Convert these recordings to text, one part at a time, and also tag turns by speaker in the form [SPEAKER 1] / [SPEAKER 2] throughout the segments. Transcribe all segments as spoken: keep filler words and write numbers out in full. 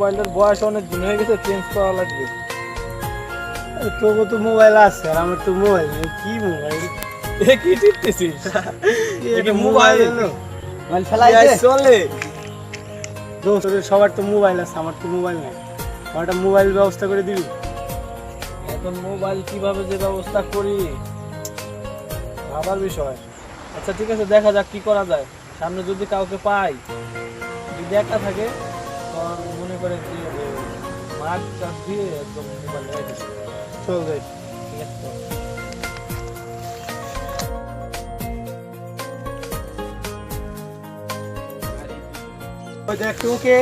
[SPEAKER 1] মোবাইলের বয়স অনেক দিন হয়ে গেছে, চেঞ্জ করা লাগবে।
[SPEAKER 2] তোর তো মোবাইল আছে আর আমার তো মোবাইল নেই। কি মোবাইল?
[SPEAKER 1] এ কি টিপতেছিস?
[SPEAKER 2] এটা মোবাইল এলো
[SPEAKER 1] মোবাইল ফেলাই দে চলে।
[SPEAKER 2] দোস্ত সবার তো মোবাইল আছে, আমার তো মোবাইল নেই। আমার একটা মোবাইল ব্যবস্থা করে দিবি?
[SPEAKER 1] এখন মোবাইল কিভাবে যে ব্যবস্থা করি ভাবার বিষয়। আচ্ছা ঠিক আছে, দেখা যাক কি করা যায়। সামনে যদি কাউকে পাই, যদি একা থাকে তখন মনে করে কি মাঠ চাষ দিয়ে একদম মোবাইল রেখে দিচ্ছি।
[SPEAKER 2] চল যাই।
[SPEAKER 1] ঠিক আছে তো?
[SPEAKER 2] ওই দেখ তোকে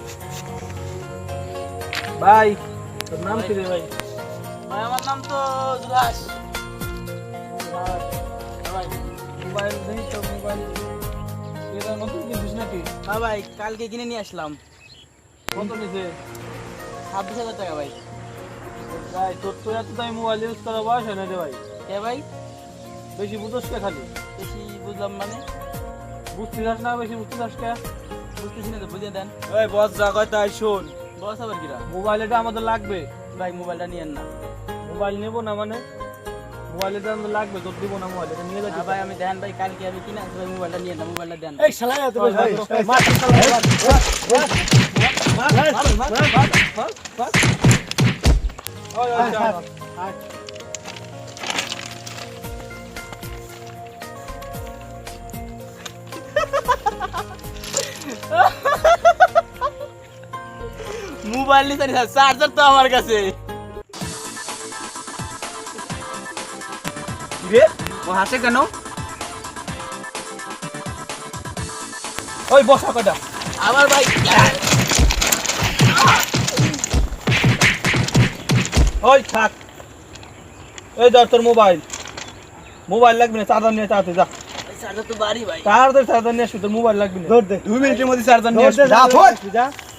[SPEAKER 1] ভাই, তোর নাম কি রে ভাই?
[SPEAKER 3] ভাই আমার নাম তো জুলাস।
[SPEAKER 1] ভাই মোবাইল নেই তো, মোবাইল এটা নতুন কিনছিস নাকি?
[SPEAKER 3] হ্যাঁ ভাই, কালকে কিনে নিয়ে আসলাম।
[SPEAKER 1] কত নিছে?
[SPEAKER 3] ছাব্বিশ হাজার টাকা ভাই।
[SPEAKER 1] ভাই তোর তো এত দামি মোবাইল ইউজ করা বয়স হয় না রে ভাই।
[SPEAKER 3] কে ভাই?
[SPEAKER 1] বেশি বুঝোস কে খালি?
[SPEAKER 3] বেশি বুঝলাম মানে?
[SPEAKER 1] বুঝতে চাস না, বেশি বুঝতে চাস কে?
[SPEAKER 3] বুঝতেছি না তো, বুঝিয়ে দেন।
[SPEAKER 1] ওই বস যা কয় তাই শোন।
[SPEAKER 3] বস আবার কিরা?
[SPEAKER 1] মোবাইল এটা আমাদের লাগবে।
[SPEAKER 3] ভাই মোবাইলটা নিয়েন না।
[SPEAKER 1] মোবাইল নেবো না মানে? মোবাইল এটা আমাদের লাগবে, তোর দিব না মোবাইল, এটা নিয়ে
[SPEAKER 3] না
[SPEAKER 1] যাচ্ছি
[SPEAKER 3] ভাই আমি দেন ভাই, কালকে আমি কিনে আসবো, ভাই মোবাইলটা নিয়েন না, মোবাইলটা দেন।
[SPEAKER 2] এই শালা এত বড় ভাই
[SPEAKER 1] মার
[SPEAKER 3] মোবাইল নিতে নিতে চার্জার তো আমার কাছে।
[SPEAKER 1] রে
[SPEAKER 3] ও হাসে কেন?
[SPEAKER 1] ওই বসা কয়টা
[SPEAKER 3] আবার ভাই
[SPEAKER 1] ওই থাক। এই ধর তোর মোবাইল। মোবাইল লাগবে না, চার্জার নিয়ে তাড়াতাড়ি যা।
[SPEAKER 3] চার্জার তো বাড়ি ভাই।
[SPEAKER 1] তাড়াতাড়ি চার্জার নিয়ে আসবি, তোর মোবাইল লাগবে না।
[SPEAKER 2] দৌড় দে।
[SPEAKER 1] দুই মিনিটের মধ্যে চার্জার নিয়ে
[SPEAKER 2] দৌড় দে,
[SPEAKER 1] আসবি।
[SPEAKER 2] যা,
[SPEAKER 1] যা,
[SPEAKER 2] দৌড়, যা